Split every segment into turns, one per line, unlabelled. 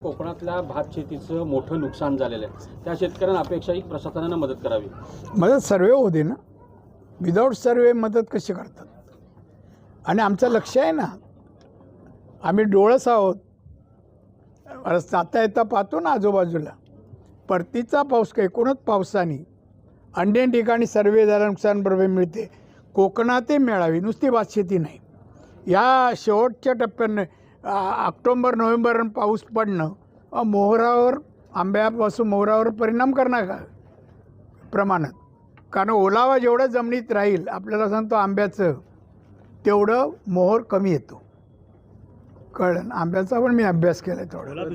कोकणातल्या भात शेतीचं मोठं नुकसान झालेलं आहे. त्या शेतकऱ्यांना अपेक्षा आहे की प्रशासनानं मदत करावी.
मदत सर्वे होऊ दे ना. विदाऊट सर्वे मदत कशी करतात? आणि आमचं लक्ष आहे ना, आम्ही डोळस आहोत. जाता येता पाहतो ना आजूबाजूला परतीचा पाऊस काय एकूणच पावसाने अन्य ठिकाणी सर्वे झाला, नुकसान भरपाई मिळते. कोकणातही मिळावी, नुसती भात शेती नाही. या शेवटच्या टप्प्यानं ऑक्टोबर नोव्हेंबर पाऊस पडणं मोहरावर, आंब्यापासून मोहरावर परिणाम करणार का प्रमाणात? कारण ओलावा जेवढं जमिनीत राहील, आपल्याला सांगतो आंब्याचं, तेवढं मोहर कमी येतो. कळलं? आंब्याचा पण मी अभ्यास केला तेवढा.
ओला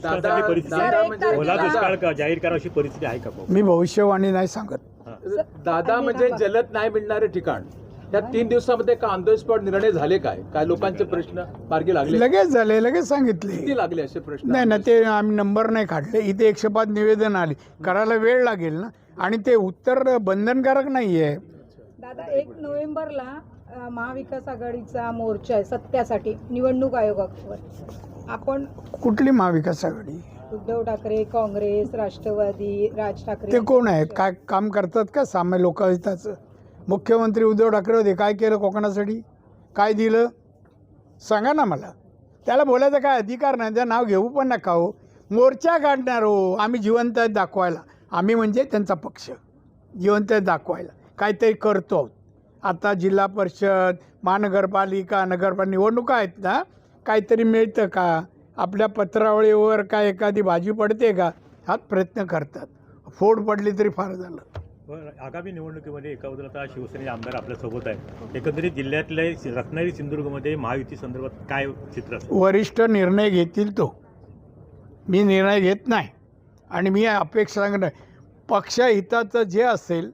दुष्काळ जाहीर करा अशी परिस्थिती आहे का?
मी भविष्यवाणी नाही सांगत.
दादा म्हणजे जलद नाही मिळणारे ठिकाण, त्या 3 दिवसामध्ये का ऑन द स्पॉट निर्णय झाले? काय लोकांचे प्रश्न मार्गी लागले?
लगेच झाले, लगेच सांगितले.
किती लागले असे प्रश्न?
नाही ना, ते आम्ही नंबर नाही काढले. इथे 105 निवेदन आले, करायला वेळ लागेल ना. आणि ते उत्तर बंधनकारक नाही आहे.
दादा, 1 नोव्हेंबरला महाविकास आघाडीचा मोर्चा आहे सत्यासाठी निवडणूक आयोगावर. आपण
कुठली महाविकास आघाडी?
उद्धव ठाकरे, काँग्रेस, राष्ट्रवादी, राज ठाकरे.
ते कोण आहेत? काय काम करतात का सामान्य लोकहिताचं? मुख्यमंत्री उद्धव ठाकरे होते, काय केलं कोकणासाठी? काय दिलं सांगा ना मला. त्याला बोलायचा काय अधिकार नाही. त्या नाव घेऊ पण नका हो. मोर्चा काढणार हो, आम्ही जिवंत आहेत दाखवायला. आम्ही म्हणजे त्यांचा पक्ष जिवंत आहेत दाखवायला काहीतरी करतो आहोत. आता जिल्हा परिषद, महानगरपालिका, नगरपालिका निवडणुका आहेत ना, काहीतरी मिळतं का? आपल्या पत्रावळीवर काय एखादी भाजी पडते का? हाच प्रयत्न करतात. फोड पडली तरी फार झालं.
आगामी निवडणुकीमध्ये एका बाजूला आता शिवसेनेचे आमदार आपल्यासोबत आहेत. एकंदरीत जिल्ह्यातल्या रत्नागिरी सिंधुदुर्गमध्ये महायुती संदर्भात काय चित्र असेल?
वरिष्ठ निर्णय घेतील तो. मी निर्णय घेत नाही. आणि मी अपेक्षा सांगत नाही. पक्षहिताचं जे असेल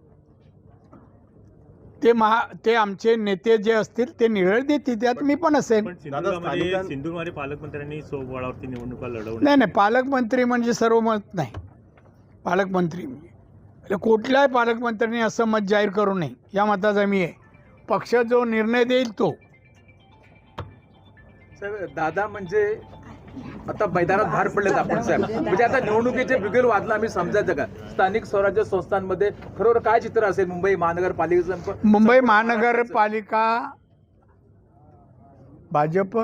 ते आमचे नेते जे असतील ते निर्णय देतील, त्यात मी पण असेल.
पण सिंधुदुर्गमध्ये पालकमंत्र्यांनी सोबळावरती निवडणुका लढवल्या.
नाही, पालकमंत्री म्हणजे सर्व मत नाही. पालकमंत्री म्हणजे कुठल्याही पालकमंत्र्यांनी असं मत जाहीर करू नये, या मताचा मी आहे. पक्ष जो निर्णय देईल तो.
साहेब, दादा म्हणजे आता मैदानात बाहेर पडलेत आपण साहेब. म्हणजे आता निवडणुकीचे बिगुल वाजला आम्ही समजायचं का? स्थानिक स्वराज्य संस्थांमध्ये खरोखर काय चित्र असेल? मुंबई महानगरपालिकेचं,
मुंबई महानगरपालिका भाजप,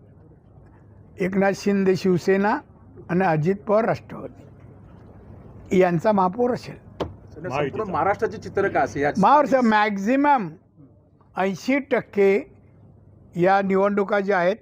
एकनाथ शिंदे शिवसेना आणि अजित पवार राष्ट्रवादी यांचा महापौर असेल.
संपूर्ण महाराष्ट्राचे चित्र काय असेल?
महाराष्ट्र मॅक्झिमम 80% या निवडणुका ज्या आहेत,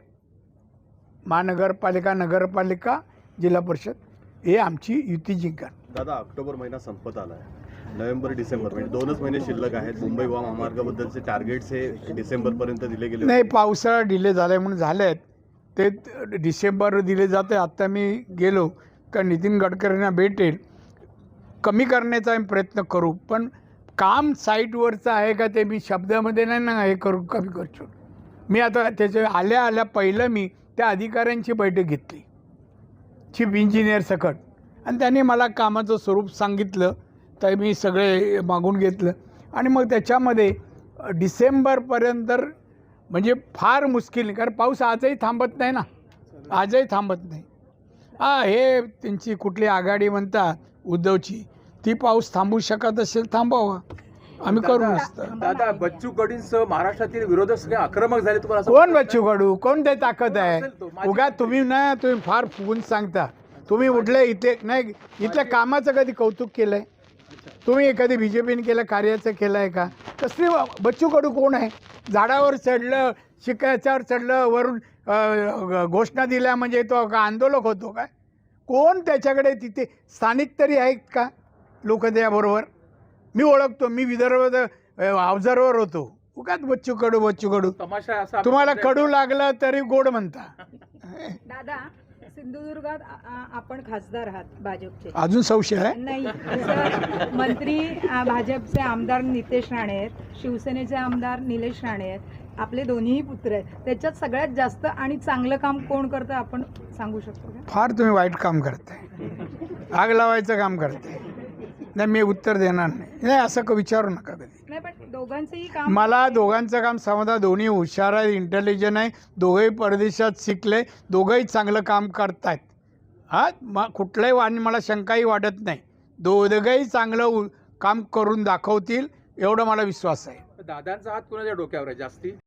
महानगरपालिका, नगरपालिका, जिल्हा परिषद, हे आमची युती जिंकणार.
दादा, ऑक्टोबर महिना संपत आला आहे. नोव्हेंबर डिसेंबर म्हणजे 2च महिने शिल्लक आहेत. मुंबई महामार्गाबद्दलचे टार्गेट्स हे डिसेंबरपर्यंत दिले गेले.
नाही, पावसाळा डिले झाला म्हणून झाले आहेत ते. डिसेंबर दिले जाते. आत्ता मी गेलो का नितीन गडकरींना भेटेल. कमी करण्याचा आम्ही प्रयत्न करू, पण काम साईटवरचं आहे का ते मी शब्दामध्ये नाही ना हे करू, कमी करतो. मी आता त्याच्या आल्या पहिलं मी त्या अधिकाऱ्यांची बैठक घेतली, चीफ इंजिनियर सकट, आणि त्यांनी मला कामाचं स्वरूप सांगितलं. तर मी सगळे मागून घेतलं आणि मग त्याच्यामध्ये डिसेंबरपर्यंत म्हणजे फार मुश्किल, कारण पाऊस आजही थांबत नाही ना, आजही थांबत नाही. हे त्यांची कुठली आघाडी म्हणतात उद्धवची, ती पाऊस थांबू शकत असेल थांबावा, आम्ही करू नसतं.
दादा, बच्चू कडूंसह महाराष्ट्रातील विरोधक सगळे आक्रमक झाले. तुम्हाला असं
कोण बच्चू कडू? कोण ते ताकद आहे? उगा तुम्ही फार फुगून सांगता. तुम्ही उठले इथे नाही, इथल्या कामाचं कधी कौतुक केलं आहे? तुम्ही कधी BJPने केलं, कार्याचं केलं आहे का? कसली बच्चू कडू कोण आहे? झाडावर चढलं, शिकायच्यावर चढलं, वरून घोषणा दिल्या म्हणजे तो का आंदोलक होतो काय? कोण त्याच्याकडे? तिथे स्थानिक तरी आहेत का लोक त्याबरोबर? मी ओळखतो, मी विदर्भ ऑब्झर्वर होतो. उगाच बच्चू कडू.
तमाशा असा
तुम्हाला कडू लागलं तरी गोड म्हणता.
दादा, सिंधुदुर्गात आपण खासदार आहात भाजपचे.
अजून संशय आहे?
नाही, तसं मंत्री भाजपचे आमदार नितेश राणे आहेत, शिवसेनेचे आमदार निलेश राणे आहेत, आपले दोन्हीही पुत्र आहेत. त्याच्यात सगळ्यात जास्त आणि चांगलं काम कोण करतं आपण सांगू शकतो का?
फार तुम्ही वाईट काम करताय, आग लावायचं काम करताय. नाही, मी उत्तर देणार नाही. असं विचारू नका कधी.
नाही, पण दोघांचंही काम,
मला दोघांचं काम समजा. दोन्ही हुशार आहे, इंटेलिजंट आहे, दोघंही परदेशात शिकले, दोघंही चांगलं काम करतायत. कुठलंही आणि मला शंकाही वाटत नाही. दोघंही चांगलं काम करून दाखवतील एवढा मला विश्वास आहे.
दादांचा हात कोणाच्या डोक्यावर आहे जास्ती?